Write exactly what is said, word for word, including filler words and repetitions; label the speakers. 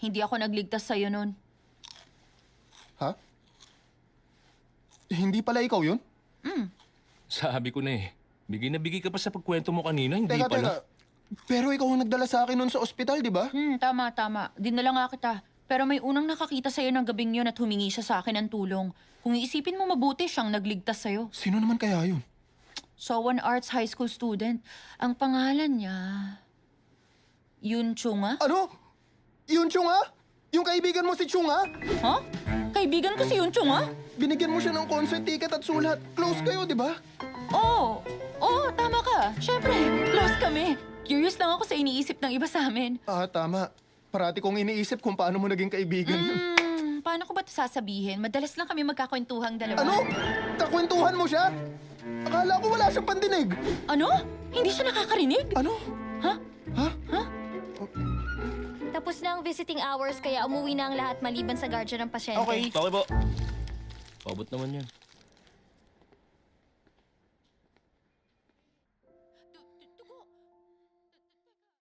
Speaker 1: Hindi ako nagligtas sa'yo nun.
Speaker 2: Ha? Hindi pala ikaw yun?
Speaker 3: Sabi ko na eh. Bigay na bigay ka pa sa pagkwento mo kanina, hindi
Speaker 2: Teka,
Speaker 3: pala.
Speaker 2: teka. Pero ikaw ang nagdala sa akin nun sa ospital, di ba?
Speaker 1: Hmm, tama, tama. Dinala nga kita. Pero may unang nakakita sa'yo ng gabing yun at humingi siya sa akin ng tulong. Kung iisipin mo mabuti, siyang nagligtas sa'yo.
Speaker 2: Sino naman kaya yun?
Speaker 1: Sowan Arts High School student. Ang pangalan niya... Yun Chunga?
Speaker 2: Ano? Yun Chunga? Yung kaibigan mo si Chunga?
Speaker 1: Ha? Kaibigan ko si Yun Chunga?
Speaker 2: Binigyan mo siya ng concert ticket at sulat. Close kayo, di ba?
Speaker 1: Oo. Oo, tama ka. Siyempre, close kami. Curious lang ako sa iniisip ng iba sa amin.
Speaker 2: Ah, tama. Parati kong iniisip kung paano mo naging kaibigan yun.
Speaker 1: Hmm, paano ko ba ito sasabihin? Madalas lang kami magkakwentuhang dalawa.
Speaker 2: Ano? Kakwentuhan mo siya? Akala ko wala siyang pandinig.
Speaker 1: Ano? Hindi siya nakakarinig?
Speaker 2: Ano?
Speaker 1: Ha?
Speaker 2: Ha?
Speaker 4: Tapos na ang visiting hours kaya umuwi na ang lahat maliban sa guardian ng pasyente.
Speaker 2: Okay.
Speaker 3: Okay po. Pabot naman yan.